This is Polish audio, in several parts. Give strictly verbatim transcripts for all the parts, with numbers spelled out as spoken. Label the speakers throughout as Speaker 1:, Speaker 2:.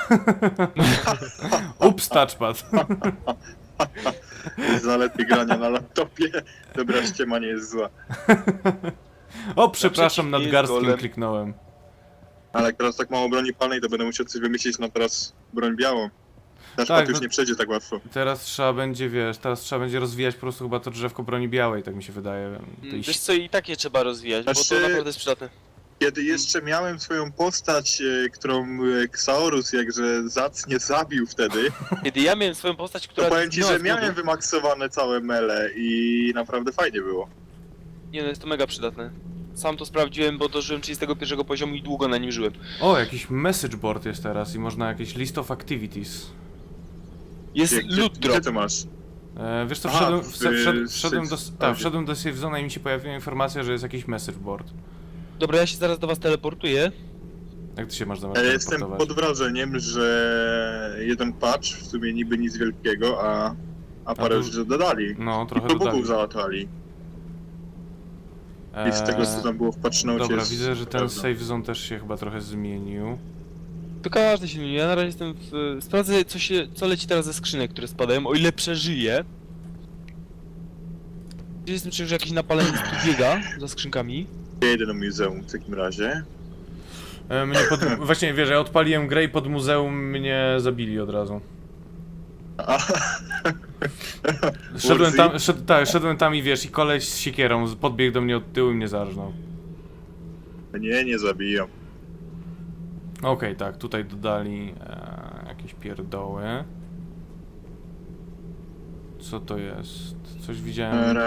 Speaker 1: Ups, touchpad.
Speaker 2: Zalety grania na laptopie. Dobra, ściema nie jest zła.
Speaker 1: O, przepraszam,
Speaker 3: Naprzeciw
Speaker 1: nad
Speaker 3: jest
Speaker 1: garstkiem
Speaker 3: golem.
Speaker 1: kliknąłem.
Speaker 2: Ale jak teraz tak mało broni palnej, to będę musiał coś wymyślić na teraz broń białą. Touchpad
Speaker 1: Tak,
Speaker 2: już
Speaker 1: no-
Speaker 2: nie przejdzie tak łatwo.
Speaker 1: Teraz trzeba będzie, wiesz, teraz trzeba będzie rozwijać po prostu chyba to drzewko broni białej, tak mi się wydaje. Tej
Speaker 3: Mm, Wiesz co, i tak je trzeba rozwijać, bo
Speaker 2: Znaczy-
Speaker 3: to naprawdę jest przydatne.
Speaker 2: Kiedy jeszcze miałem swoją postać, e, którą e, Xaorus jakże zacnie zabił wtedy,
Speaker 3: Kiedy ja miałem swoją postać, która...
Speaker 2: to powiem ci,
Speaker 3: zginęła
Speaker 2: że
Speaker 3: z głodu-
Speaker 2: miałem wymaksowane całe mele i naprawdę fajnie było.
Speaker 3: Nie no, jest to mega przydatne. Sam to sprawdziłem, bo dożyłem trzydziestego pierwszego poziomu i długo na nim żyłem.
Speaker 1: O, jakiś message board jest teraz i można jakieś list of activities.
Speaker 3: Jest
Speaker 2: Gdzie, gdzie,
Speaker 3: loot
Speaker 2: gdzie
Speaker 3: drop.
Speaker 2: to masz?
Speaker 1: E, wiesz co,
Speaker 2: Aha,
Speaker 1: wszedłem,
Speaker 2: w-
Speaker 1: wszedłem, wszedłem,
Speaker 2: w
Speaker 1: wszedłem, do,
Speaker 2: safe-
Speaker 1: tak,
Speaker 2: a,
Speaker 1: wszedłem do safe zone i mi się pojawiła informacja, że jest jakiś message board.
Speaker 3: Dobra, ja się zaraz do was teleportuję.
Speaker 1: Jak ty się masz zamiast
Speaker 2: Ja jestem
Speaker 1: teleportować?
Speaker 2: pod wrażeniem, że jeden patch w sumie niby nic wielkiego, a, a parę
Speaker 1: tu-
Speaker 2: rzeczy dodali.
Speaker 1: No,
Speaker 2: I
Speaker 1: trochę
Speaker 2: do
Speaker 1: dodali.
Speaker 2: bugów załatali. I z tego co tam było w patch nocie
Speaker 1: Dobra,
Speaker 2: jest
Speaker 1: widzę, że ten
Speaker 2: prawda.
Speaker 1: safe zone też się chyba trochę zmienił.
Speaker 3: To każdy się zmieni. Ja na razie jestem w... Sprawdzę, co, się, co leci teraz ze skrzynek, które spadają, o ile przeżyję. Jestem czy że jakiś napaleniec tu biega za skrzynkami.
Speaker 2: Ja jedę do muzeum w takim razie.
Speaker 1: E, mnie pod... Właśnie, wiesz, ja odpaliłem grę i pod muzeum mnie zabili od razu.
Speaker 2: A,
Speaker 1: Szedłem
Speaker 2: Warzy?
Speaker 1: tam, szed, tak, szedłem tam i wiesz, i koleś z siekierą podbiegł do mnie od tyłu i mnie zarżnął.
Speaker 2: nie, nie zabijam.
Speaker 1: Okej, tak, tutaj dodali e, jakieś pierdoły. Co to jest? Coś widziałem.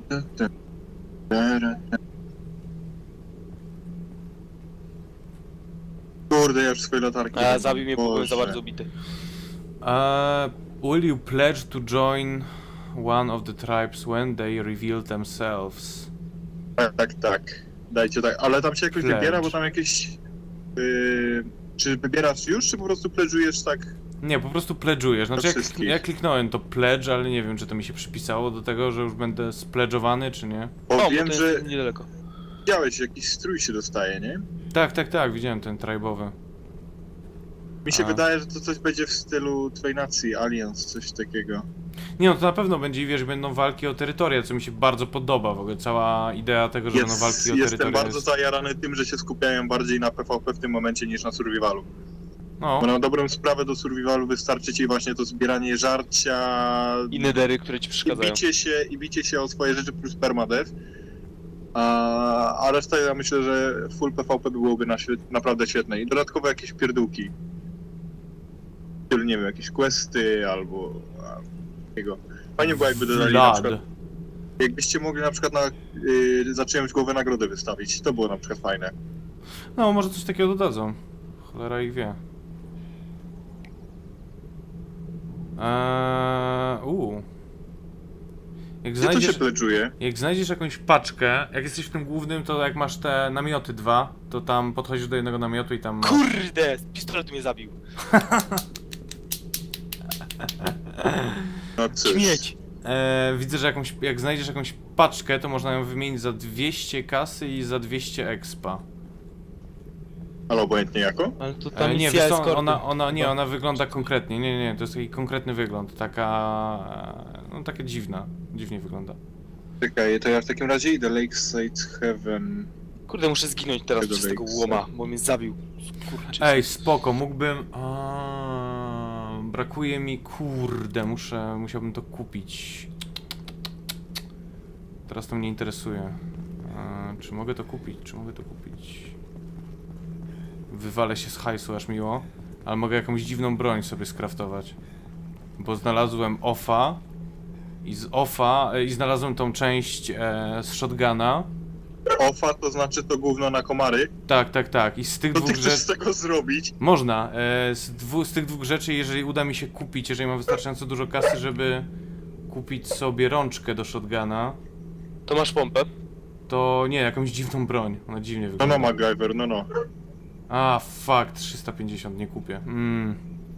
Speaker 2: Kurde, ja już swoje latarki.
Speaker 3: A
Speaker 2: mam.
Speaker 3: zabił mnie, bo byłem za
Speaker 2: Boże.
Speaker 3: bardzo ubity.
Speaker 1: Uh, will you pledge to join one of the tribes when they reveal themselves?
Speaker 2: Tak, tak, tak. Dajcie tak, ale tam się jakoś
Speaker 1: Pledge.
Speaker 2: wybiera, bo tam jakieś... Yy, czy wybierasz już, czy po prostu pledżujesz tak?
Speaker 1: Nie, po prostu pledżujesz. Znaczy,
Speaker 2: Do
Speaker 1: jak,
Speaker 2: wszystkich.
Speaker 1: ja kliknąłem to pledge, ale nie wiem, czy to mi się przypisało do tego, że już będę spledżowany, czy nie.
Speaker 2: Bo
Speaker 3: O,
Speaker 2: wiem,
Speaker 3: bo to
Speaker 2: że
Speaker 3: jest niedaleko.
Speaker 2: widziałeś, jakiś strój się dostaje, nie?
Speaker 1: Tak, tak, tak, widziałem ten tribowy.
Speaker 2: Mi się
Speaker 1: A.
Speaker 2: wydaje, że to coś będzie w stylu twojej nacji, Alliance, coś takiego.
Speaker 1: Nie no, to na pewno będzie, wiesz, będą walki o terytoria, co mi się bardzo podoba w ogóle. Cała idea tego, że będą
Speaker 2: Jest,
Speaker 1: walki o
Speaker 2: jestem
Speaker 1: terytoria
Speaker 2: bardzo
Speaker 1: jest...
Speaker 2: zajarany tym, że się skupiają bardziej na PvP w tym momencie niż na survivalu.
Speaker 1: No,
Speaker 2: Bo na dobrą sprawę do survivalu wystarczy ci właśnie to zbieranie żarcia
Speaker 3: I nedery, które ci
Speaker 2: i
Speaker 3: przeszkadzają.
Speaker 2: bicie się, i bicie się o swoje rzeczy plus permadeath. A, a reszta ja myślę, że full PvP byłoby na świe- naprawdę świetne. I dodatkowo jakieś pierdółki. Czyli nie wiem, jakieś questy albo a, takiego. Fajnie było jakby dodali na
Speaker 1: Vlad.
Speaker 2: przykład, jakbyście mogli na przykład na, y, za czyjąś głowę nagrodę wystawić. To było na przykład fajne.
Speaker 1: No, może coś takiego dodadzą. Cholera ich wie. Eee, uu. Jak
Speaker 2: Gdzie to
Speaker 1: znajdziesz,
Speaker 2: się pledżuje?
Speaker 1: jak znajdziesz jakąś paczkę, jak jesteś w tym głównym, to jak masz te namioty dwa, to tam podchodzisz do jednego namiotu i tam masz...
Speaker 3: Kurde! Pistolet mnie zabił.
Speaker 2: No cóż.
Speaker 3: Śmieć!
Speaker 1: Eee, widzę, że jakąś, jak znajdziesz jakąś paczkę, to można ją wymienić za dwieście kasy i za dwieście expa.
Speaker 2: Ale obojętnie jako?
Speaker 3: Ale to tam
Speaker 1: E, nie,
Speaker 3: misja
Speaker 1: wiesz co,
Speaker 3: eskorty.
Speaker 1: ona, ona, nie, ona wygląda konkretnie, nie, nie, nie, to jest taki konkretny wygląd, taka, e, no taka dziwna, dziwnie wygląda.
Speaker 2: Czekaj, to ja w takim razie idę Lakeside Heaven.
Speaker 3: Kurde, muszę zginąć teraz
Speaker 2: Tego
Speaker 3: przez tego
Speaker 2: Lakes.
Speaker 3: łoma, bo mnie zabił. Kurczę.
Speaker 1: Ej, spoko, mógłbym, a, brakuje mi, kurde, muszę, musiałbym to kupić. Teraz to mnie interesuje. E, czy mogę to kupić, czy mogę to kupić? Wywalę się z hajsu, aż miło, ale mogę jakąś dziwną broń sobie skraftować. Bo znalazłem offa i z offa, e, i znalazłem tą część e, z shotguna.
Speaker 2: Ofa to znaczy to gówno na komary.
Speaker 1: Tak, tak, tak. I z tych
Speaker 2: Co ty
Speaker 1: dwóch
Speaker 2: chcesz
Speaker 1: rzeczy...
Speaker 2: z tego zrobić?
Speaker 1: Można. E, z, dwu, z tych dwóch rzeczy, jeżeli uda mi się kupić, jeżeli mam wystarczająco dużo kasy, żeby kupić sobie rączkę do shotguna,
Speaker 3: To masz pompę.
Speaker 1: to nie, jakąś dziwną broń. Ona dziwnie
Speaker 2: No
Speaker 1: wygląda.
Speaker 2: no MacGyver, no no.
Speaker 1: A, fuck, trzysta pięćdziesiąt nie kupię. Mm.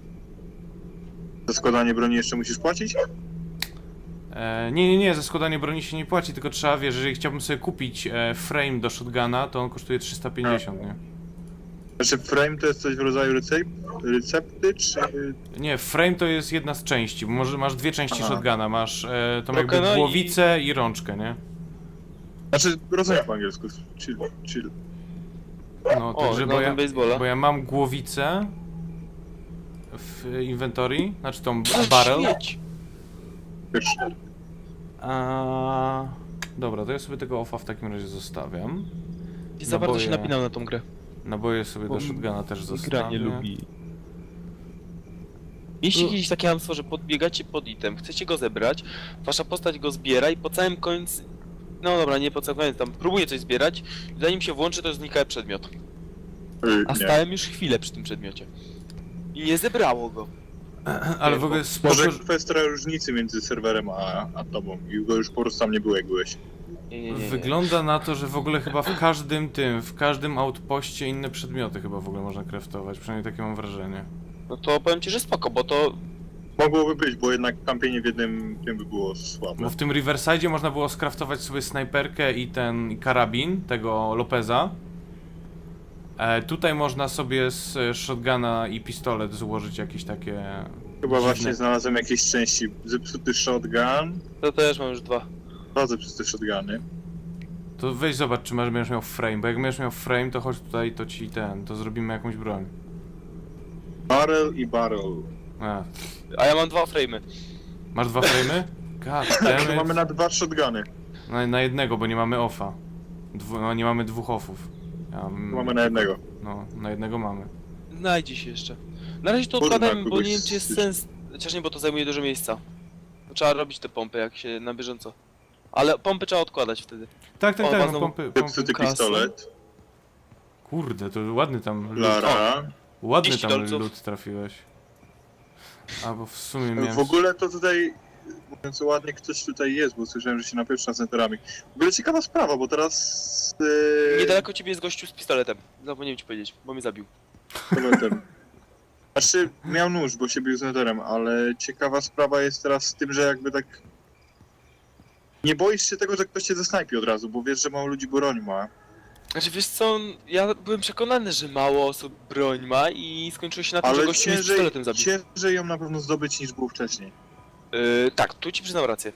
Speaker 2: Za składanie broni jeszcze musisz płacić?
Speaker 1: E, nie, nie, nie, za składanie broni się nie płaci, tylko trzeba, wiesz, jeżeli chciałbym sobie kupić e, frame do shotguna, to on kosztuje trzysta pięćdziesiąt, nie?
Speaker 2: Znaczy frame to jest coś w rodzaju recep recepty, czy...
Speaker 1: Nie, frame to jest jedna z części, bo może masz dwie części
Speaker 2: Aha.
Speaker 1: shotguna, masz e, tą
Speaker 3: Rokena
Speaker 1: jakby
Speaker 3: i-
Speaker 1: głowicę i... rączkę, nie?
Speaker 2: Znaczy, rozumiem po angielsku, chill, chill.
Speaker 1: No,
Speaker 3: O,
Speaker 1: także
Speaker 3: no,
Speaker 1: bo ja,
Speaker 3: ten baseballa.
Speaker 1: bo ja mam głowicę w inventory, znaczy tą
Speaker 3: Ale
Speaker 1: barrel.
Speaker 3: śmieć!
Speaker 2: Pierwszy.
Speaker 1: A... Dobra, to ja sobie tego offa w takim razie zostawiam.
Speaker 3: Nie za bardzo się
Speaker 1: Naboje.
Speaker 3: napinam na tą grę.
Speaker 1: Naboje sobie
Speaker 3: Bo
Speaker 1: do shotguna też
Speaker 3: Gra
Speaker 1: zostawię.
Speaker 3: nie lubi. Jeśli
Speaker 1: No.
Speaker 3: kiedyś takie hamstwo, że podbiegacie pod item, chcecie go zebrać, wasza postać go zbiera i po całym końcu... No dobra, nie po całym końcu, tam próbuje coś zbierać, zanim się włączy, to znika przedmiot.
Speaker 2: Y,
Speaker 3: A
Speaker 2: nie.
Speaker 3: stałem już chwilę przy tym przedmiocie. I nie zebrało go.
Speaker 1: Ale w ogóle spoko,
Speaker 2: Może
Speaker 1: że-
Speaker 2: kwestia różnicy między serwerem a, a tobą i go już po prostu tam nie było jak byłeś.
Speaker 3: Nie, nie, nie, nie.
Speaker 1: wygląda na to, że w ogóle chyba w każdym tym, w każdym outpoście inne przedmioty chyba w ogóle można craftować, przynajmniej takie mam wrażenie.
Speaker 3: No to powiem ci, że spoko, bo to...
Speaker 2: Mogłoby być, bo jednak kampienie w jednym tym by było słabe.
Speaker 1: Bo w tym Riverside można było skraftować sobie snajperkę i ten karabin tego Lopeza. E, tutaj można sobie z e, shotguna i pistolet złożyć jakieś takie...
Speaker 2: Chyba
Speaker 1: dziwne-
Speaker 2: właśnie znalazłem jakieś części. Zepsuty shotgun,
Speaker 3: To też mam już dwa.
Speaker 2: dwa zepsute shotguny.
Speaker 1: To weź zobacz, czy masz, będziesz miał frame, bo jak będziesz miał frame, to chodź tutaj, to ci ten, to zrobimy jakąś broń.
Speaker 2: Barrel i barrel.
Speaker 1: A,
Speaker 3: A ja mam dwa frame'y.
Speaker 1: masz dwa frame'y? God
Speaker 2: Tak, to
Speaker 1: damn
Speaker 2: mamy
Speaker 1: it.
Speaker 2: na dwa shotguny.
Speaker 1: Na, na jednego, bo nie mamy offa. Dwu, no nie mamy dwóch offów. Ja, mam-
Speaker 2: Mamy na jednego.
Speaker 1: No, na jednego mamy.
Speaker 3: Znajdzie się jeszcze. Na razie to
Speaker 2: Kurwa,
Speaker 3: odkładajmy, bo
Speaker 2: kogoś
Speaker 3: nie wiem czy jest
Speaker 2: z-
Speaker 3: sens. Chociaż nie, bo to zajmuje dużo miejsca. To trzeba robić te pompy jak się na bieżąco. Ale pompy trzeba odkładać wtedy.
Speaker 1: Tak, tak,
Speaker 3: O,
Speaker 1: tak, no
Speaker 3: bazą-
Speaker 1: pompy, pompy.
Speaker 2: Zepsuty
Speaker 3: kasy.
Speaker 2: pistolet.
Speaker 1: Kurde, to ładny tam loot,
Speaker 2: Lara.
Speaker 1: ładny
Speaker 3: trzydzieści
Speaker 1: tam
Speaker 3: dolców.
Speaker 1: loot trafiłeś. A, bo w sumie miałem...
Speaker 2: W ogóle to tutaj, mówiąc ładnie, ktoś tutaj jest, bo słyszałem, że się napieprza z centrami. W ogóle ciekawa sprawa, bo teraz... Yy,
Speaker 3: Niedaleko ciebie jest gościu z pistoletem. Zapomniałem ci powiedzieć, bo mnie zabił.
Speaker 2: pistoletem. Znaczy, miał nóż, bo się bił z netherem, ale ciekawa sprawa jest teraz z tym, że jakby tak... Nie boisz się tego, że ktoś cię zesnajpi od razu, bo wiesz, że mało ludzi broń ma.
Speaker 3: Znaczy wiesz co, ja byłem przekonany, że mało osób broń ma i skończyło się na tym, że
Speaker 2: Ale
Speaker 3: gościu mnie z
Speaker 2: ciężej,
Speaker 3: pistoletem zabił.
Speaker 2: ciężej ją na pewno zdobyć niż było wcześniej.
Speaker 3: Yy, tak, tu ci przyznam rację.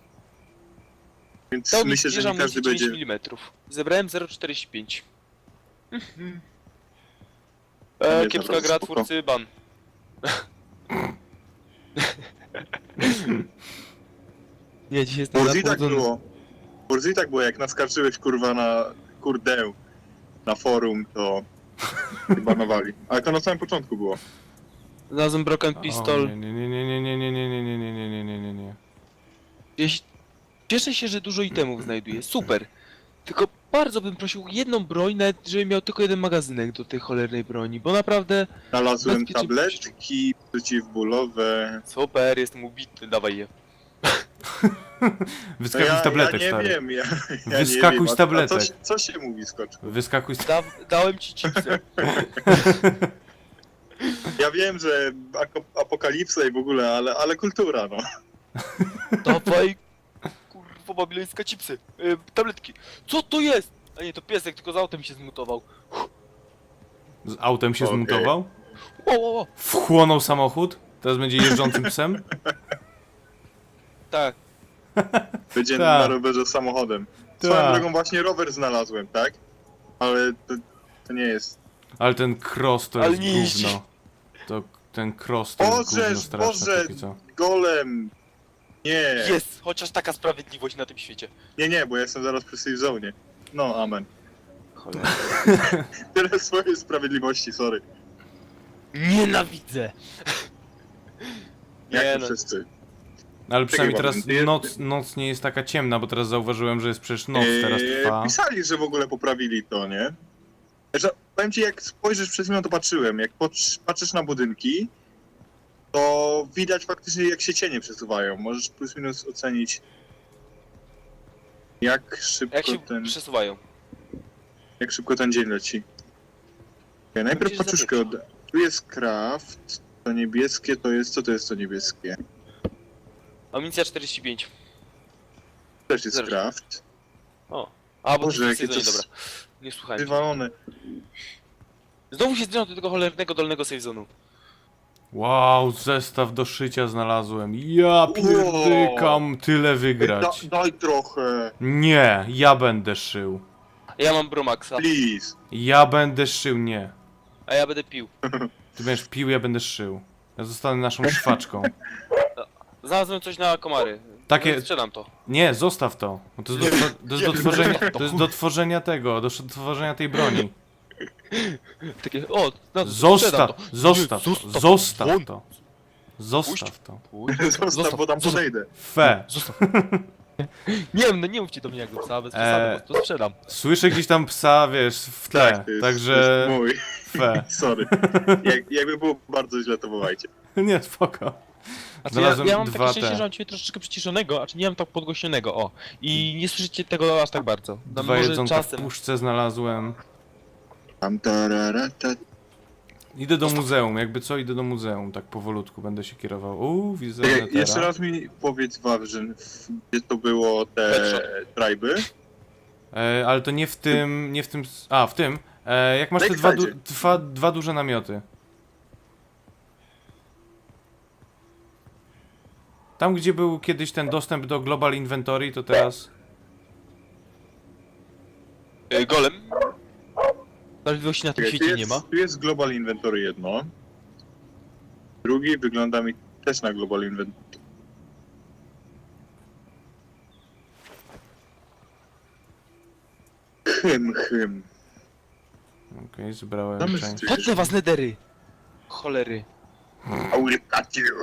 Speaker 2: Więc
Speaker 3: Dał mi
Speaker 2: myślę, że
Speaker 3: wieża
Speaker 2: nie każdy
Speaker 3: dziewięć
Speaker 2: będzie...
Speaker 3: milimetrów. Zebrałem zero przecinek czterdzieści pięć. Mhm.
Speaker 2: To
Speaker 3: E,
Speaker 2: jest
Speaker 3: kiepska
Speaker 2: naprawdę
Speaker 3: gra,
Speaker 2: spoko.
Speaker 3: twórcy ban. Nie, dzisiaj jestem
Speaker 2: Forzi tak
Speaker 3: napodzony.
Speaker 2: było. Forzi tak było, jak naskarżyłeś kurwa na kurdę na forum, to banowali. Ale to na samym początku było.
Speaker 3: Znalazłem broken pistol.
Speaker 1: O, nie, nie, nie, nie, nie, nie, nie, nie, nie, nie, nie, nie, nie, nie.
Speaker 3: Jeś- Cieszę się, że dużo itemów znajduję. Super. Tylko bardzo bym prosił jedną broń, nawet żebym miał tylko jeden magazynek do tej cholernej broni, bo naprawdę...
Speaker 2: Znalazłem
Speaker 3: Bezpiecznie
Speaker 2: tabletki przeciwbólowe.
Speaker 3: Super, jestem ubity, dawaj je.
Speaker 1: Wyskakuj
Speaker 2: ja,
Speaker 1: z tabletek,
Speaker 2: ja nie
Speaker 1: stary.
Speaker 2: wiem, ja, ja
Speaker 1: Wyskakuj
Speaker 2: nie wiem.
Speaker 1: z
Speaker 2: A-
Speaker 1: tabletek.
Speaker 2: A co, się- co się mówi, skocz?
Speaker 1: Wyskakuj z...
Speaker 3: Da dałem ci chipsy.
Speaker 2: Ja wiem, że ako- apokalipsa i w ogóle, ale, ale kultura, no.
Speaker 3: Dawaj, kurwa, babilońska chipsy. Yy, tabletki. Co to jest? A nie, to piesek, tylko z autem się zmutował.
Speaker 1: Z autem się
Speaker 2: Okej.
Speaker 1: zmutował?
Speaker 3: Ło, ło, ło.
Speaker 1: Wchłonął samochód? Teraz będzie jeżdżącym psem?
Speaker 3: Tak.
Speaker 2: Będzie
Speaker 1: Tak.
Speaker 2: na rowerze samochodem.
Speaker 1: Tak.
Speaker 2: Swoją drogą właśnie rower znalazłem, tak? Ale to, to nie jest...
Speaker 1: Ale ten cross to
Speaker 3: Ale
Speaker 1: jest
Speaker 3: nie jeździ.
Speaker 1: gówno. To ten cross to jest gówno
Speaker 2: Bożeż,
Speaker 1: straszne
Speaker 2: Boże,
Speaker 1: póki co.
Speaker 2: golem! Nie,
Speaker 3: Jest, chociaż taka sprawiedliwość na tym świecie.
Speaker 2: nie, nie, bo ja jestem zaraz przy safe zone. No, amen.
Speaker 3: Cholera.
Speaker 2: Tyle swojej sprawiedliwości, sorry.
Speaker 3: Nienawidzę.
Speaker 2: Jak
Speaker 3: Nie
Speaker 2: to
Speaker 3: no.
Speaker 2: wszyscy.
Speaker 1: Ale przynajmniej
Speaker 2: Czekaj,
Speaker 1: teraz
Speaker 2: Wam, jest-
Speaker 1: noc, noc nie jest taka ciemna, bo teraz zauważyłem, że jest przecież noc teraz
Speaker 2: Eee,
Speaker 1: trwa.
Speaker 2: Pisali, że w ogóle poprawili to, nie? Znaczy, powiem ci, jak spojrzysz przed chwilą, to patrzyłem. Jak patrz, patrzysz na budynki, to widać faktycznie, jak się cienie przesuwają. Możesz plus minus ocenić, jak szybko
Speaker 3: Jak się
Speaker 2: ten,
Speaker 3: przesuwają.
Speaker 2: jak szybko ten dzień leci. Okay, najpierw
Speaker 3: się
Speaker 2: paczuszkę od... Tu jest craft, to niebieskie to jest... Co to jest to niebieskie?
Speaker 3: Amunicja czterdzieści pięć.
Speaker 2: Też jest
Speaker 3: Zero.
Speaker 2: craft.
Speaker 3: O. A, bo
Speaker 2: Boże,
Speaker 3: to
Speaker 2: jakie
Speaker 3: jest
Speaker 2: to
Speaker 3: jedzenie,
Speaker 2: jest
Speaker 3: dobra. Nie słuchałem cię.
Speaker 2: wywalone.
Speaker 3: Znowu się zbliżam do tego cholernego dolnego safe zone'u.
Speaker 1: Wow, zestaw do szycia znalazłem. Ja pierdykam tyle
Speaker 2: Da,
Speaker 1: wygrać.
Speaker 2: daj trochę,
Speaker 1: Nie, ja będę szył.
Speaker 3: Ja mam Bromaxa,
Speaker 2: please.
Speaker 1: Ja będę szył, nie.
Speaker 3: a ja będę pił.
Speaker 1: Ty będziesz pił, ja będę szył. Ja zostanę naszą szwaczką.
Speaker 3: Znalazłem coś na komary.
Speaker 1: Takie-
Speaker 3: Sprzedam to.
Speaker 1: Nie, zostaw to. Bo to jest do, to jest do tworzenia, to jest do tworzenia tego, do tworzenia tej broni.
Speaker 3: Takie, o, no, sprzedam
Speaker 1: Zostaw,
Speaker 3: to.
Speaker 1: zostaw,
Speaker 3: Nie,
Speaker 1: to, zostaw
Speaker 3: won.
Speaker 1: to. Zostaw to.
Speaker 3: Pójdź.
Speaker 2: Zostaw, bo tam
Speaker 3: zostaw.
Speaker 2: podejdę.
Speaker 1: Fe.
Speaker 3: Zostaw. Nie wiem, no nie mówcie do mnie jak do psa, bez przesady,
Speaker 1: Eee.
Speaker 3: po prostu sprzedam.
Speaker 1: Słyszę gdzieś tam psa, wiesz, w tle.
Speaker 2: Tak, to jest,
Speaker 1: Także
Speaker 2: to jest mój.
Speaker 1: fe.
Speaker 2: Sorry. Jak, jakby było bardzo źle, to wołajcie.
Speaker 1: Nie, spoko.
Speaker 3: Znaczy, ja,
Speaker 1: Znalazłem
Speaker 3: ja mam
Speaker 1: dwa
Speaker 3: takie szczęście,
Speaker 1: te.
Speaker 3: że mam ciebie troszeczkę przyciszonego, a czy nie mam tak podgłośnionego, o. I nie słyszycie tego aż tak bardzo. Tam
Speaker 1: Dwa
Speaker 3: może
Speaker 1: jedzonka w
Speaker 3: czasem.
Speaker 1: puszce znalazłem.
Speaker 2: Tam tarara, ta.
Speaker 1: Idę do muzeum, jakby co, idę do muzeum, tak powolutku będę się kierował. Uuu, widzę
Speaker 2: Czekaj,
Speaker 1: Netera.
Speaker 2: jeszcze raz mi powiedz, Wawrzyn, w- gdzie to było te
Speaker 3: Headshot.
Speaker 2: triby?
Speaker 1: E, ale to nie w tym, nie w tym, s- a w tym. E, jak masz te dwa, du
Speaker 2: Backside.
Speaker 1: dwa, dwa duże namioty. Tam, gdzie był kiedyś ten dostęp do Global Inventory, to teraz...
Speaker 3: E, golem. Sprawiedliwości na tym
Speaker 2: Czekaj, tu
Speaker 3: świecie
Speaker 2: jest,
Speaker 3: nie ma.
Speaker 2: tu jest Global Inventory jedno. Drugi wygląda mi też na Global Inventory. Hym, hym.
Speaker 1: Okej, zebrałem
Speaker 2: Tam jest
Speaker 1: część.
Speaker 2: coś.
Speaker 3: Potnę was nedery! Cholery.
Speaker 2: I will cut you.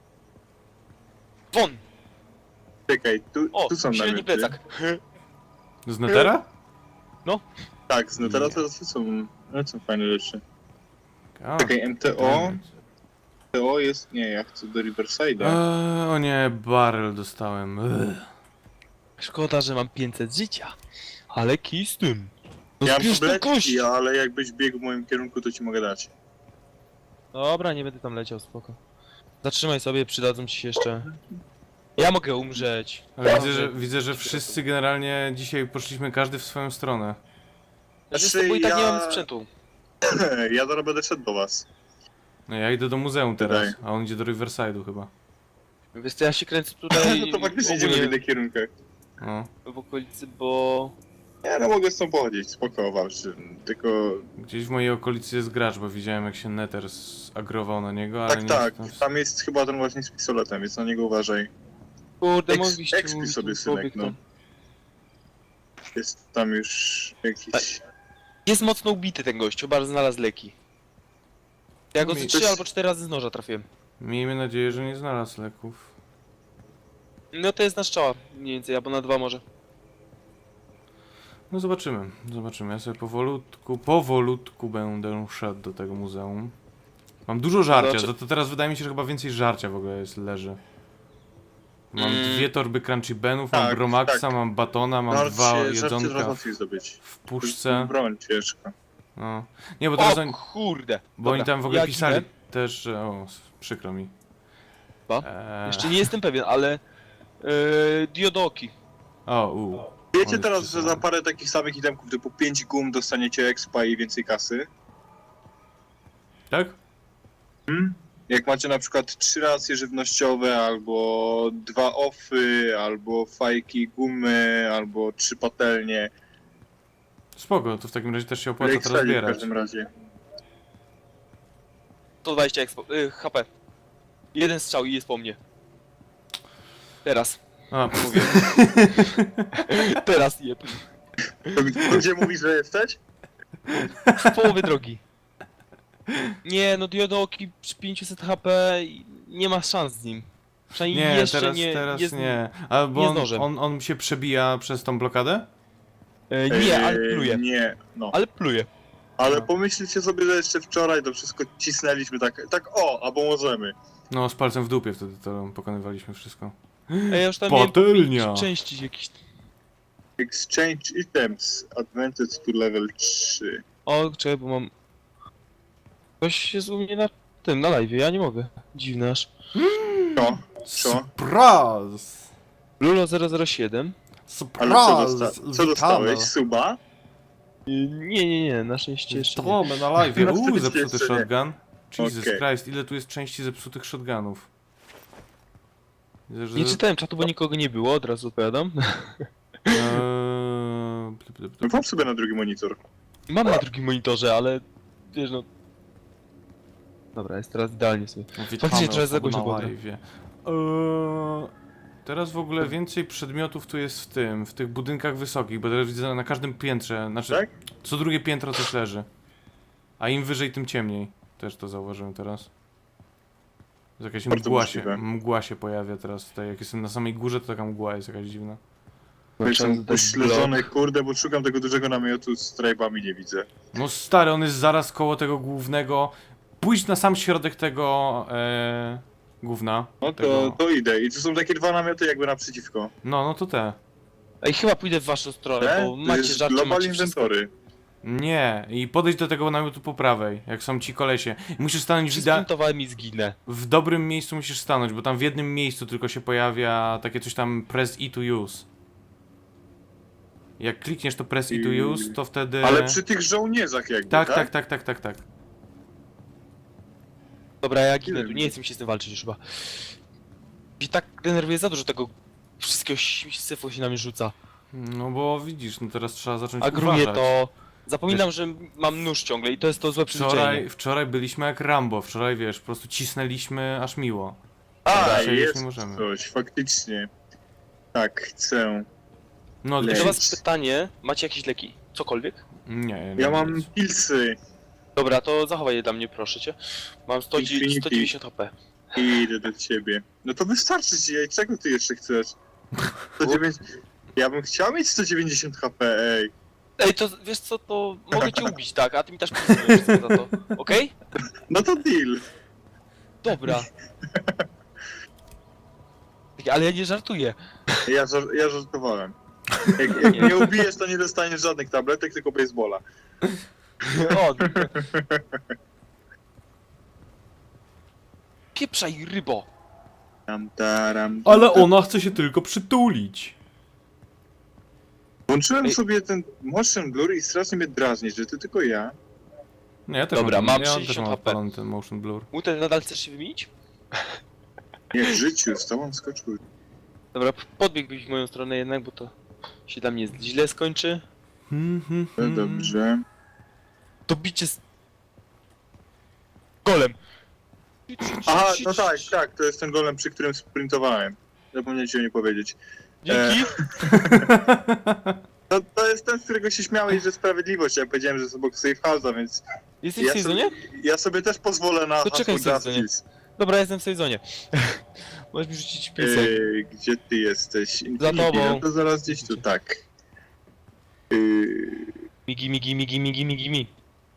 Speaker 3: Won!
Speaker 2: Czekaj, tu,
Speaker 3: O,
Speaker 2: tu są
Speaker 3: średni
Speaker 2: namioty.
Speaker 3: plecak.
Speaker 1: Z Netera?
Speaker 2: Tak, no teraz to są, no, są fajne rzeczy.
Speaker 1: A,
Speaker 2: Czekaj, M T O, M T O jest, nie, ja chcę do Riverside'a.
Speaker 1: Eee, o nie, barrel dostałem. Ugh.
Speaker 3: Szkoda, że mam pięćset życia. Ale kij z tym. No
Speaker 2: Ja mam
Speaker 3: zbierz tę kość!
Speaker 2: tabletki, ale jakbyś biegł w moim kierunku, to ci mogę dać.
Speaker 3: Dobra, nie będę tam leciał, spoko. Zatrzymaj sobie, przydadzą ci się jeszcze. Ja mogę umrzeć.
Speaker 1: Ale widzę że, widzę, że wszyscy generalnie dzisiaj poszliśmy każdy w swoją stronę.
Speaker 3: Ja
Speaker 2: Znaczy,
Speaker 3: bo i tak nie
Speaker 2: ja-
Speaker 3: mam sprzętu.
Speaker 2: Ja zaraz będę szedł do was.
Speaker 1: No ja idę do muzeum teraz,
Speaker 2: Tutaj.
Speaker 1: a on idzie do Riverside'u chyba.
Speaker 3: Wiesz co, ja się kręcę tutaj
Speaker 2: No to faktycznie idziemy w
Speaker 3: ogólnie
Speaker 2: innych kierunkach.
Speaker 1: No.
Speaker 3: w okolicy, bo...
Speaker 2: Ja no mogę z tą pochodzić, spoko, Wawrzyn. Tylko...
Speaker 1: Gdzieś w mojej okolicy jest gracz, bo widziałem jak się Nether zagrował na niego, ale
Speaker 2: Tak,
Speaker 1: nie
Speaker 2: tak,
Speaker 1: jestem w-
Speaker 2: tam jest chyba ten właśnie z pistoletem, więc na niego uważaj.
Speaker 3: Kurde,
Speaker 2: Eks,
Speaker 3: mogliście
Speaker 2: ekspij
Speaker 3: mówić
Speaker 2: sobie,
Speaker 3: ten
Speaker 2: synek,
Speaker 3: człowiek,
Speaker 2: no.
Speaker 3: to-
Speaker 2: Jest tam już jakiś...
Speaker 3: Jest mocno ubity ten gościu, bardzo znalazł leki. Ja go
Speaker 1: Mi-
Speaker 3: z
Speaker 2: to
Speaker 3: trzy
Speaker 2: jest-
Speaker 3: albo cztery razy z noża trafiłem.
Speaker 1: Miejmy nadzieję, że nie znalazł leków.
Speaker 3: No to jest na strzała, mniej więcej, albo na dwa może.
Speaker 1: No zobaczymy, zobaczymy. Ja sobie powolutku, powolutku będę szedł do tego muzeum. Mam dużo żarcia,
Speaker 3: Znaczy-
Speaker 1: za to teraz wydaje mi się, że chyba więcej żarcia w ogóle jest, leży. Mam
Speaker 3: Mm.
Speaker 1: dwie torby crunchy benów, mam
Speaker 2: Tak,
Speaker 1: bromaxa,
Speaker 2: tak.
Speaker 1: mam batona, mam
Speaker 2: Żarcie-
Speaker 1: dwa
Speaker 2: żarcie teraz
Speaker 1: jedzonka
Speaker 2: łatwiej zdobyć.
Speaker 1: w puszce.
Speaker 2: Broń ciężka.
Speaker 1: No. Nie, bo teraz
Speaker 3: O
Speaker 1: oni,
Speaker 3: kurde!
Speaker 1: bo oni
Speaker 3: Dobra,
Speaker 1: tam w ogóle
Speaker 3: ja
Speaker 1: pisali
Speaker 3: ginę.
Speaker 1: też, że... O, s- przykro mi.
Speaker 3: Co?
Speaker 1: Eee,
Speaker 3: Jeszcze nie jestem pewien, ale... Yy, diodoki.
Speaker 1: O, u.
Speaker 2: Wiecie
Speaker 1: One
Speaker 2: teraz, że
Speaker 1: przysyłają.
Speaker 2: za parę takich samych itemków typu pięć gum dostaniecie expa i więcej kasy?
Speaker 1: Tak?
Speaker 2: Hmm? Jak macie na przykład trzy racje żywnościowe, albo dwa offy, albo fajki gumy, albo trzy patelnie.
Speaker 1: Spoko, to w takim razie też się opłaca
Speaker 2: Lake
Speaker 1: teraz
Speaker 2: Sally w
Speaker 1: zbierać.
Speaker 2: każdym razie.
Speaker 3: sto dwadzieścia expo, yy, H P. Jeden strzał i jest po mnie. Teraz.
Speaker 1: A,
Speaker 3: Mówię. Teraz jeb.
Speaker 2: To, to gdzie mówisz, że jesteś?
Speaker 3: W połowie drogi. Nie, no diodoki przy pięćset H P i nie ma szans z nim. Przynajmniej
Speaker 1: nie,
Speaker 3: jeszcze
Speaker 1: teraz,
Speaker 3: nie.
Speaker 1: teraz
Speaker 3: jest,
Speaker 1: nie. A bo
Speaker 3: nie
Speaker 1: on,
Speaker 3: zdążę.
Speaker 1: on, on się przebija przez tą blokadę?
Speaker 3: E, nie, ale
Speaker 2: Eee,
Speaker 3: pluje.
Speaker 2: Nie, no.
Speaker 3: Ale pluje.
Speaker 2: Ale
Speaker 1: No.
Speaker 2: pomyślcie sobie, że jeszcze wczoraj to wszystko cisnęliśmy tak, tak o, albo możemy.
Speaker 1: No, z palcem w dupie wtedy to pokonywaliśmy wszystko.
Speaker 3: Ej, ja już tam
Speaker 1: Patelnia.
Speaker 3: miałem części jakieś.
Speaker 2: Exchange items, advantage to level trzy.
Speaker 3: O, czekaj, bo mam. Ktoś jest u mnie na tym, na live, ja nie mogę. Dziwne aż.
Speaker 2: Co? Co?
Speaker 3: Y, Nie, nie, nie, na szczęście jeszcze nie.
Speaker 1: To, my na live.
Speaker 2: Na
Speaker 1: Uuu,
Speaker 2: szczęście
Speaker 1: zepsuty
Speaker 2: jeszcze nie.
Speaker 1: shotgun. Jesus
Speaker 2: Okej.
Speaker 1: Christ, ile tu jest części zepsutych shotgunów? Widzę, że...
Speaker 3: Nie czytałem czatu, bo nikogo nie było, od razu odpowiadam.
Speaker 1: Eee, plip, plip,
Speaker 2: No
Speaker 1: plip.
Speaker 2: włącz sobie na drugi monitor.
Speaker 3: Mam na drugim monitorze, ale... Wiesz no... Dobra, jest teraz idealnie sobie.
Speaker 1: Witamy
Speaker 3: Faktycznie trochę za
Speaker 1: osoby
Speaker 3: głośno
Speaker 1: na
Speaker 3: było.
Speaker 1: live'ie. Eee, Teraz w ogóle więcej przedmiotów tu jest w tym, w tych budynkach wysokich, bo teraz widzę na każdym piętrze, znaczy
Speaker 2: Tak?
Speaker 1: co drugie piętro coś leży. A im wyżej, tym ciemniej. Też to zauważyłem teraz. Jest jakaś
Speaker 2: Bardzo
Speaker 1: mgła się,
Speaker 2: możliwe.
Speaker 1: mgła się pojawia teraz tutaj. Jak jestem na samej górze, to taka mgła jest jakaś dziwna.
Speaker 2: Jestem pośledzony, kurde, bo szukam tego dużego namiotu z trajbami, nie widzę.
Speaker 1: No stary, on jest zaraz koło tego głównego. Pójdź na sam środek tego e, gówna.
Speaker 2: No to,
Speaker 1: tego...
Speaker 2: to idę. I tu są takie dwa namioty jakby naprzeciwko.
Speaker 1: No, no to te.
Speaker 3: Ej, chyba pójdę w waszą stronę,
Speaker 2: Te?
Speaker 3: bo
Speaker 2: To
Speaker 3: macie
Speaker 2: jest
Speaker 3: żarcie,
Speaker 2: Global
Speaker 3: macie wszystko.
Speaker 2: Inventory.
Speaker 1: Nie, i podejdź do tego namiotu po prawej, jak są ci kolesie. Musisz stanąć w, ida-
Speaker 3: Przysprintowałem i zginę.
Speaker 1: w dobrym miejscu musisz stanąć, bo tam w jednym miejscu tylko się pojawia takie coś tam press E to use. Jak klikniesz to press E to
Speaker 2: I-
Speaker 1: use, to wtedy...
Speaker 2: Ale przy tych żołnierzach jakby,
Speaker 1: Tak,
Speaker 2: tak?
Speaker 1: tak, tak, tak, tak, tak.
Speaker 3: Dobra, ja ginę tu, nie chcę mi się z tym walczyć już chyba. I tak denerwuje za dużo tego wszystkiego ś- syfu się na mnie rzuca.
Speaker 1: No bo widzisz, no teraz trzeba zacząć
Speaker 3: A gruje
Speaker 1: uważać.
Speaker 3: to... Zapominam, że mam nóż ciągle i to jest to złe przyzwyczajenie.
Speaker 1: Wczoraj, wczoraj byliśmy jak Rambo, wczoraj wiesz, po prostu cisnęliśmy aż miło.
Speaker 2: A,
Speaker 1: Dzisiaj już
Speaker 2: jest
Speaker 1: nie możemy.
Speaker 2: coś, faktycznie. Tak, chcę.
Speaker 1: No,
Speaker 2: Le-
Speaker 3: Do
Speaker 1: się...
Speaker 3: was pytanie, macie jakieś leki? Cokolwiek?
Speaker 1: Nie, nie, nie
Speaker 2: Ja mam
Speaker 1: nic.
Speaker 2: pilsy.
Speaker 3: Dobra, to zachowaj je dla mnie, proszę cię. Mam sto
Speaker 2: Infinity.
Speaker 3: dziewięćdziesiąt H P.
Speaker 2: I idę do ciebie. No to wystarczy ci, ej, czego ty jeszcze chcesz? sto dziewięćdziesiąt... Ja bym chciał mieć sto dziewięćdziesiąt H P, ej.
Speaker 3: Ej, to wiesz co, to mogę cię ubić, tak? A ty mi też przyznajesz za to, okej?
Speaker 2: No to deal.
Speaker 3: Dobra. Ale ja nie żartuję.
Speaker 2: Ja, żar- ja żartowałem. Jak, jak mnie ubijesz, to nie dostaniesz żadnych tabletek, tylko baseballa.
Speaker 3: O. Pieprzaj, rybo.
Speaker 2: Tam, taram,
Speaker 1: Ale
Speaker 2: tam.
Speaker 1: ona chce się tylko przytulić.
Speaker 2: Włączyłem
Speaker 3: Ej.
Speaker 2: sobie ten motion blur i strasznie mnie drażni, że to tylko ja.
Speaker 1: Nie, ja też
Speaker 3: Dobra,
Speaker 1: mam,
Speaker 3: mam
Speaker 1: ja też
Speaker 3: sześćdziesiąt
Speaker 1: mam
Speaker 3: H P.
Speaker 1: odpalony ten motion blur.
Speaker 3: Mutel, nadal chcesz się wymienić?
Speaker 2: Nie, w życiu, z tobą skoczył.
Speaker 3: Dobra, podbiegłbyś w moją stronę jednak, bo to się dla mnie źle skończy.
Speaker 1: Hmm, hmm,
Speaker 2: No
Speaker 1: hmm.
Speaker 2: dobrze.
Speaker 3: To bicie z... Golem.
Speaker 2: Aha, no tak, tak, to jest ten golem, przy którym sprintowałem. Zapomniałem ci o nie powiedzieć.
Speaker 3: Dzięki.
Speaker 2: To, to jest ten, z którego się śmiałeś, że sprawiedliwość. Ja powiedziałem, że jest obok safe house'a, więc
Speaker 3: Jesteś
Speaker 2: ja
Speaker 3: w sezonie?
Speaker 2: sobie, ja sobie też pozwolę na
Speaker 3: To czekaj
Speaker 2: hasło
Speaker 3: w sezonie.
Speaker 2: Justice.
Speaker 3: Dobra, jestem w sezonie. Możesz mi rzucić pisek.
Speaker 2: Yy, gdzie ty jesteś? Infinity,
Speaker 3: tobą.
Speaker 2: No to zaraz gdzieś tu, tak. Yy,
Speaker 3: Migi, migi, migi, migi, migi, mi.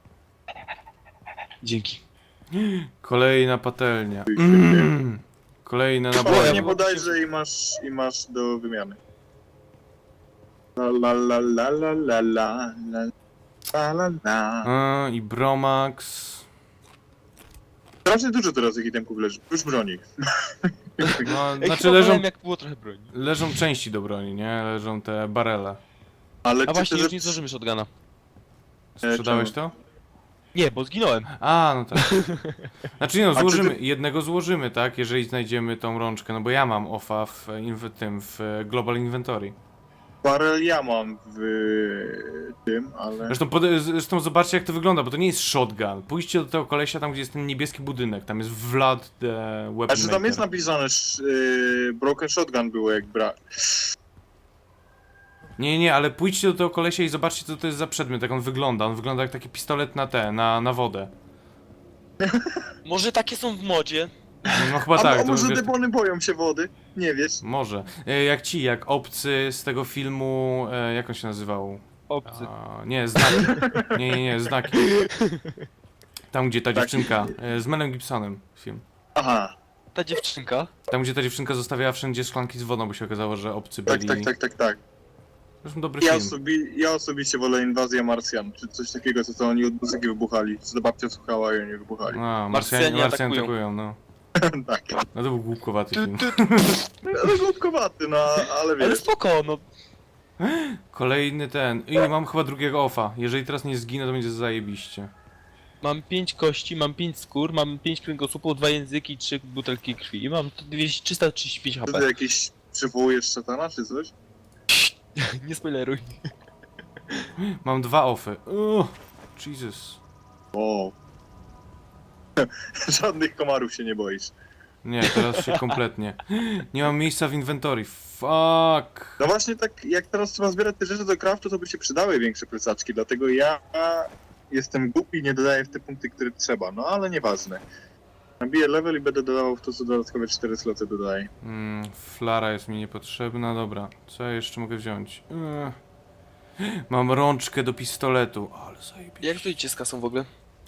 Speaker 3: Dzięki.
Speaker 1: Kolejna patelnia.
Speaker 2: Ty się
Speaker 1: Mm. Kolejne
Speaker 2: Chyba
Speaker 1: naboje.
Speaker 2: nie bodajże i masz, i masz do wymiany. La la la la la la la la la la la.
Speaker 1: A, i Bromax.
Speaker 2: Strasznie dużo teraz jakichś temków leży, już broni.
Speaker 1: No,
Speaker 3: Ej,
Speaker 1: znaczy
Speaker 3: chyba
Speaker 1: leżą,
Speaker 3: wolałem, jak było trochę broni.
Speaker 1: leżą części do broni, nie? Leżą te barele.
Speaker 2: Ale
Speaker 3: A
Speaker 2: czy
Speaker 3: właśnie,
Speaker 2: ty
Speaker 3: już nie zdążymy shotguna.
Speaker 1: Sprzedałeś
Speaker 2: czemu?
Speaker 1: to?
Speaker 3: Nie, bo zginąłem.
Speaker 1: A, no tak. Znaczy nie no,
Speaker 2: A czy
Speaker 1: złożymy,
Speaker 2: ty-
Speaker 1: jednego złożymy, tak? Jeżeli znajdziemy tą rączkę, no bo ja mam offa w, inw- tym, w Global Inventory.
Speaker 2: Barel ja mam w tym, ale...
Speaker 1: Zresztą, pode- zresztą zobaczcie jak to wygląda, bo to nie jest shotgun. Pójdźcie do tego kolesia tam, gdzie jest ten niebieski budynek, tam jest Vlad the Weapon
Speaker 2: Znaczy tam jest
Speaker 1: Maker.
Speaker 2: napisane, że yy, Broken Shotgun było jak bra...
Speaker 1: Nie, nie, ale pójdźcie do tego kolesia i zobaczcie co to jest za przedmiot, jak on wygląda. On wygląda jak taki pistolet na te, na, na wodę.
Speaker 3: Może takie są w modzie?
Speaker 1: No chyba
Speaker 2: A,
Speaker 1: tak.
Speaker 2: a
Speaker 1: to
Speaker 2: może
Speaker 1: wiesz-
Speaker 2: demony boją się wody? Nie wiesz?
Speaker 1: Może. E, Jak ci, jak obcy z tego filmu, e, jak on się nazywał?
Speaker 3: Obcy.
Speaker 1: A, nie, znaki. Nie, nie, nie, znaki. Tam gdzie ta
Speaker 2: Tak.
Speaker 1: dziewczynka, e, z Melem Gibsonem film.
Speaker 2: Aha,
Speaker 3: Ta dziewczynka.
Speaker 1: Tam gdzie ta dziewczynka zostawiała wszędzie szklanki z wodą, bo się okazało, że obcy
Speaker 2: tak,
Speaker 1: byli.
Speaker 2: tak, tak, tak, tak.
Speaker 1: Zresztą dobry
Speaker 2: Ja,
Speaker 1: film.
Speaker 2: osobi ja osobiście wolę Inwazję Marsjan, czy coś takiego, co to oni od muzyki wybuchali, co babcia słuchała i oni wybuchali.
Speaker 1: A,
Speaker 3: Marsjanie
Speaker 1: Marsjanie, Marsjanie
Speaker 3: atakują.
Speaker 1: atakują, no.
Speaker 2: Tak.
Speaker 1: No to był głupkowaty
Speaker 3: Tu,
Speaker 1: film.
Speaker 3: tu, tu.
Speaker 2: Ale głupkowaty, no, ale
Speaker 3: Ale
Speaker 2: wiesz.
Speaker 3: spoko, no.
Speaker 1: Kolejny ten. I mam chyba drugiego offa. Jeżeli teraz nie zginę, to będzie zajebiście.
Speaker 3: Mam pięć kości, mam pięć skór, mam pięć kręgosłupów, dwa języki, trzy butelki krwi. I mam to dwieście trzysta trzydzieści pięć
Speaker 2: To
Speaker 3: H P.
Speaker 2: ty jakiś przywołujesz szatana czy coś?
Speaker 3: Nie spoileruj.
Speaker 1: Mam dwa offy. Uuu, Jesus.
Speaker 2: O. Żadnych komarów się nie boisz.
Speaker 1: Nie, teraz się kompletnie. Nie mam miejsca w inwentory. Fuck.
Speaker 2: No właśnie tak, jak teraz trzeba zbierać te rzeczy do craftu, to by się przydały większe plecaczki, dlatego ja jestem głupi i nie dodaję w te punkty, które trzeba, no ale nieważne. Nabiję level i będę dodawał w to, co dodatkowe cztery sloty dodaję.
Speaker 1: Mm, flara jest mi niepotrzebna. Dobra, co ja jeszcze mogę wziąć? Ech. Mam rączkę do pistoletu. Ale zajebiście.
Speaker 3: Jak stoicie z kasą w ogóle?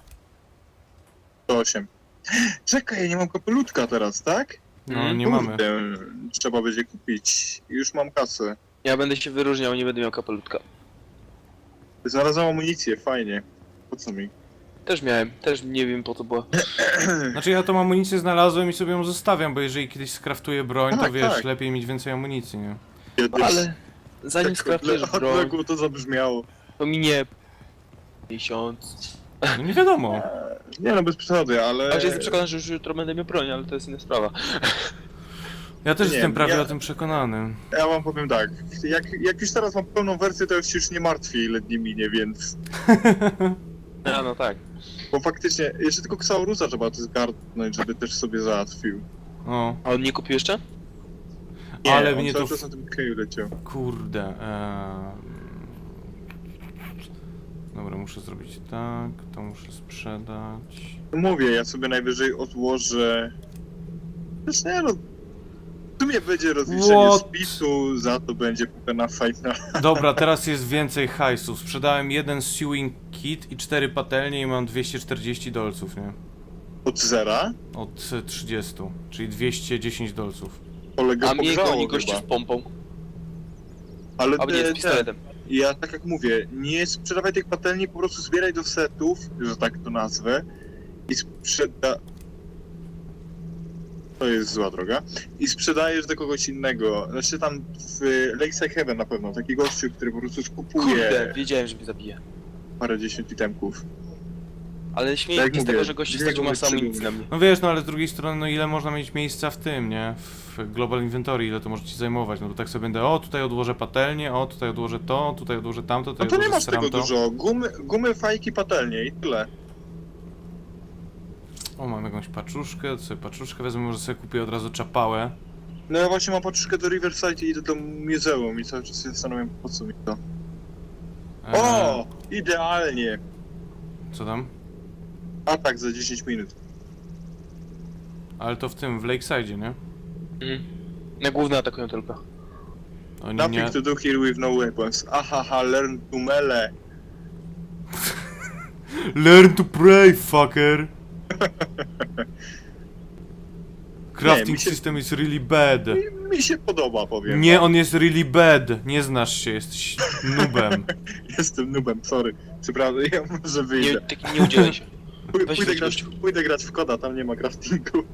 Speaker 2: To osiem. Czekaj, ja nie mam kapelutka teraz, tak?
Speaker 1: No, nie mamy.
Speaker 2: Kurde, trzeba będzie kupić. Już mam kasę.
Speaker 3: Ja będę się wyróżniał, nie będę miał kapelutka.
Speaker 2: Znalazłem amunicję, fajnie. Po co mi?
Speaker 3: Też miałem, też nie wiem po co była.
Speaker 1: Znaczy ja tą amunicję znalazłem i sobie ją zostawiam, bo jeżeli kiedyś skraftuję broń, to
Speaker 2: Tak,
Speaker 1: wiesz,
Speaker 2: tak.
Speaker 1: lepiej mieć więcej amunicji, nie?
Speaker 2: Ja też
Speaker 3: Ale zanim
Speaker 2: tak
Speaker 3: skraftujesz
Speaker 2: odle-
Speaker 3: broń,
Speaker 2: odległo to zabrzmiało.
Speaker 3: to minie miesiąc.
Speaker 1: No nie wiadomo.
Speaker 2: Nie no, bez przesady, ale...
Speaker 3: Także jestem przekonany, że już jutro będę miał broń, ale to jest inna sprawa.
Speaker 1: Ja też
Speaker 2: Nie,
Speaker 1: jestem prawie
Speaker 2: ja-
Speaker 1: o tym przekonany.
Speaker 2: Ja wam powiem tak, jak, jak już teraz mam pełną wersję, to już się już nie martwię, ile dni minie, więc...
Speaker 3: A no tak.
Speaker 2: Bo faktycznie, jeszcze tylko Ksaurusa trzeba to zgarnąć, żeby też sobie załatwił.
Speaker 1: O,
Speaker 3: A on nie kupił jeszcze?
Speaker 2: Nie,
Speaker 1: ale
Speaker 2: on
Speaker 1: mnie
Speaker 2: cały
Speaker 1: to...
Speaker 2: czas
Speaker 1: W...
Speaker 2: na tym keju leciał.
Speaker 1: Kurde. Eee... Dobra, muszę zrobić tak, to muszę sprzedać.
Speaker 2: No mówię, ja sobie najwyżej odłożę... Też nie no... W sumie będzie rozliczenie
Speaker 1: What?
Speaker 2: spisu, za to będzie na fajna.
Speaker 1: Dobra, teraz jest więcej hajsu. Sprzedałem jeden sewing kit i cztery patelnie i mam dwieście czterdzieści dolców, nie?
Speaker 2: Od zera.
Speaker 1: Od trzydziestu, czyli dwieście dziesięć dolców.
Speaker 2: Kolega
Speaker 3: A mnie
Speaker 2: pogrzało
Speaker 3: goni gościu
Speaker 2: chyba.
Speaker 3: z pompą.
Speaker 2: Ale
Speaker 3: Albo nie, z
Speaker 2: te, te,
Speaker 3: pistoletem.
Speaker 2: ja tak jak mówię, nie sprzedawaj tych patelni, po prostu zbieraj do setów, że tak to nazwę, i sprzeda... To jest zła droga. I sprzedajesz do kogoś innego. Znaczy tam w Lakeside Heaven na pewno, taki gościu, który po prostu skupuje
Speaker 3: Kurde, wiedziałem, że mnie zabije.
Speaker 2: parę dziesiąt itemków.
Speaker 3: Ale śmieję
Speaker 2: Tak
Speaker 3: się z
Speaker 2: mówię,
Speaker 3: tego, że gościu
Speaker 2: dwie
Speaker 3: stracił
Speaker 2: głowy
Speaker 3: masę amunicji
Speaker 2: przybyły.
Speaker 3: na mnie.
Speaker 1: No wiesz, no ale z drugiej strony, no ile można mieć miejsca w tym, nie? W Global Inventory, ile to może ci zajmować, no bo tak sobie będę, o tutaj odłożę patelnię, o tutaj odłożę to, tutaj odłożę tamto,
Speaker 2: No
Speaker 1: tutaj
Speaker 2: to nie
Speaker 1: odłożę
Speaker 2: masz tego
Speaker 1: tamto.
Speaker 2: dużo. Gumy, gumy, fajki, patelnie i tyle.
Speaker 1: O, mam jakąś paczuszkę, to sobie paczuszkę wezmę, może sobie kupię od razu czapałę.
Speaker 2: No ja właśnie mam paczuszkę do Riverside i idę do muzeum i cały czas się zastanawiam, po co mi to.
Speaker 1: Eee,
Speaker 2: O! Idealnie!
Speaker 1: Co tam?
Speaker 2: Atak za dziesięć minut.
Speaker 1: Ale to w tym, w Lakeside, nie?
Speaker 3: Mhm. Na główne atakują tylko.
Speaker 1: Oni
Speaker 2: Nothing
Speaker 1: nie...
Speaker 2: to do here with no weapons. Ahaha, learn to melee.
Speaker 1: Learn to pray, fucker! Crafting
Speaker 2: mi się-
Speaker 1: system is really bad.
Speaker 2: Mi się podoba, powiem.
Speaker 1: Nie,
Speaker 2: wam.
Speaker 1: on jest really bad. Nie znasz się, jesteś noobem.
Speaker 2: Jestem noobem, sorry. Przepraszam, ja może
Speaker 3: Nie,
Speaker 2: wyjdę.
Speaker 3: taki nie udzielaj się.
Speaker 2: Pój-
Speaker 3: weź
Speaker 2: Pójdę
Speaker 3: wyjdź,
Speaker 2: grać,
Speaker 3: gościu.
Speaker 2: pójdę grać w koda, tam nie ma craftingu.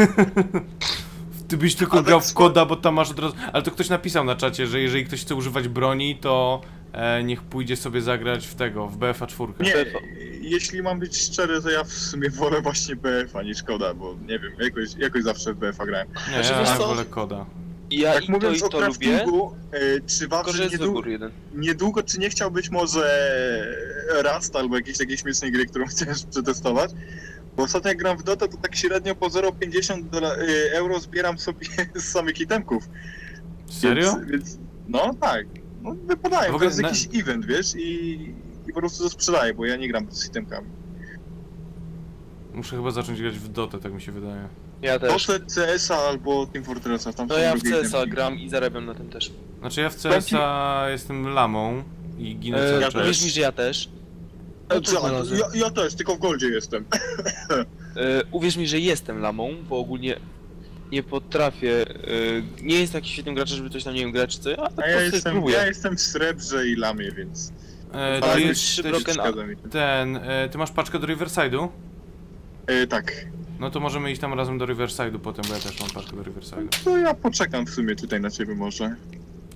Speaker 1: Ty byś tylko
Speaker 2: A
Speaker 1: grał
Speaker 2: tak
Speaker 1: w
Speaker 2: spo-
Speaker 1: koda, bo tam masz od razu... Ale to ktoś napisał na czacie, że jeżeli ktoś chce używać broni, to e, niech pójdzie sobie zagrać w tego, w B F A cztery.
Speaker 2: Nie,
Speaker 3: B F A.
Speaker 2: jeśli mam być szczery, to ja w sumie wolę właśnie B F a niż koda, bo nie wiem, jakoś, jakoś zawsze w B F a grałem.
Speaker 1: Nie,
Speaker 3: Znaczy, wiesz
Speaker 1: ja
Speaker 3: co?
Speaker 1: wolę koda.
Speaker 3: Ja
Speaker 2: Tak
Speaker 3: i to
Speaker 2: mówiąc
Speaker 3: i
Speaker 2: o
Speaker 3: to lubię,
Speaker 2: craftingu, y, czy
Speaker 3: tylko że
Speaker 2: Wawrze
Speaker 3: jest
Speaker 2: niedługo,
Speaker 3: wybór jeden.
Speaker 2: niedługo, czy nie chciałbyś może Rust albo jakiejś takiej śmiesznej gry, którą chcesz przetestować? Bo ostatnio jak gram w Dota, to tak średnio po zero przecinek pięćdziesiąt dola- y, euro zbieram sobie z samych itemków.
Speaker 1: Serio?
Speaker 2: Więc, więc no tak, no wypadają,
Speaker 1: W
Speaker 2: to
Speaker 1: ogóle
Speaker 2: jest
Speaker 1: na-
Speaker 2: jakiś event, wiesz, i, i po prostu to sprzedaję, bo ja nie gram z itemkami.
Speaker 1: Muszę chyba zacząć grać w Dotę, tak mi się wydaje.
Speaker 3: Ja też.
Speaker 2: Dotę, C S a albo Team Fortressa, tam
Speaker 3: No
Speaker 2: są
Speaker 3: ja w
Speaker 2: drugie
Speaker 3: C S a
Speaker 2: itemki.
Speaker 3: gram i zarabiam na tym też.
Speaker 1: Znaczy ja w C S a jestem lamą i ginę
Speaker 3: E,
Speaker 1: cały
Speaker 2: ja
Speaker 1: czas.
Speaker 2: też.
Speaker 3: Uwierz mi, że ja też.
Speaker 2: No, co, ja, ja też, tylko w Goldzie jestem.
Speaker 3: E, uwierz mi, że jestem lamą, bo ogólnie nie potrafię. E, nie jestem jakiś świetnym graczem, żeby coś tam nie wiem grać czy coś, ale po
Speaker 2: A ja
Speaker 3: prostu
Speaker 2: jestem,
Speaker 3: spróbuję.
Speaker 2: ja jestem w srebrze i lamie, więc...
Speaker 1: E,
Speaker 3: Ale
Speaker 1: ty
Speaker 3: jest trzy
Speaker 1: jesteś
Speaker 3: broken
Speaker 2: Zgadza mi.
Speaker 1: ten, e, ty masz paczkę do Riverside'u?
Speaker 2: E, tak.
Speaker 1: No to możemy iść tam razem do Riverside'u potem, bo ja też mam paczkę do Riverside'u.
Speaker 2: To ja poczekam w sumie tutaj na ciebie może.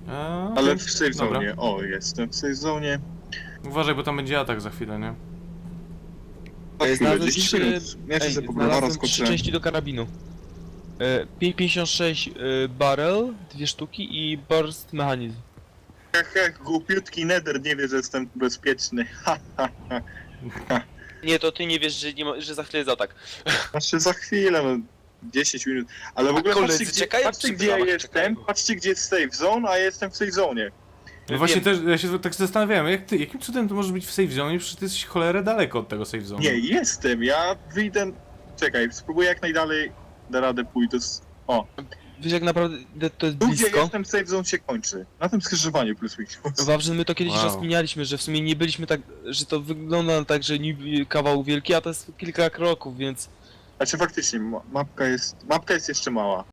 Speaker 1: A,
Speaker 2: Ale
Speaker 1: okej.
Speaker 2: w safe
Speaker 1: Dobra.
Speaker 2: zone. O, jestem w safe zone.
Speaker 1: Uważaj, bo tam będzie atak za chwilę, nie?
Speaker 2: Na chwilę,
Speaker 3: Znalazłem
Speaker 2: dziesięć
Speaker 3: trzy-
Speaker 2: minut. Ja się
Speaker 3: Ej,
Speaker 2: sobie po browara
Speaker 3: znalazłem trzy
Speaker 2: skoczyłem.
Speaker 3: części do karabinu. E, pięć pięćdziesiąt sześć e, barrel, dwie sztuki i burst mechanizm.
Speaker 2: Jak, jak głupiutki nether nie wie, że jestem bezpieczny. Ha, ha, ha.
Speaker 3: Nie, to ty nie wiesz, że, nie ma, że za chwilę jest atak.
Speaker 2: Znaczy za chwilę, no dziesięć minut. Ale w ogóle
Speaker 3: koledzy
Speaker 2: patrzcie, gdzie,
Speaker 3: czekają
Speaker 2: patrzcie,
Speaker 3: przy
Speaker 2: gdzie ja
Speaker 3: bramach,
Speaker 2: jestem,
Speaker 3: czekają.
Speaker 2: patrzcie gdzie jest safe zone, a ja jestem w safe zone.
Speaker 1: No właśnie
Speaker 3: Wiem.
Speaker 1: też, ja się tak zastanawiałem, jak ty, jakim cudem to możesz być w safe zone, przecież ty jesteś cholerę daleko od tego safe zone.
Speaker 2: Nie, jestem, ja wyjdę... Czekaj, spróbuję jak najdalej da radę pójść. To jest... O,
Speaker 3: Wiesz jak naprawdę to jest
Speaker 2: tu gdzie
Speaker 3: blisko.
Speaker 2: jestem safe zone się kończy. Na tym skrzyżowaniu plus minus.
Speaker 3: Wawrze, my to kiedyś
Speaker 1: Wow.
Speaker 3: rozkminialiśmy, że w sumie nie byliśmy tak, że to wygląda tak, że niby kawał wielki, a to jest kilka kroków, więc
Speaker 2: Znaczy faktycznie, ma- mapka jest... Mapka jest jeszcze mała.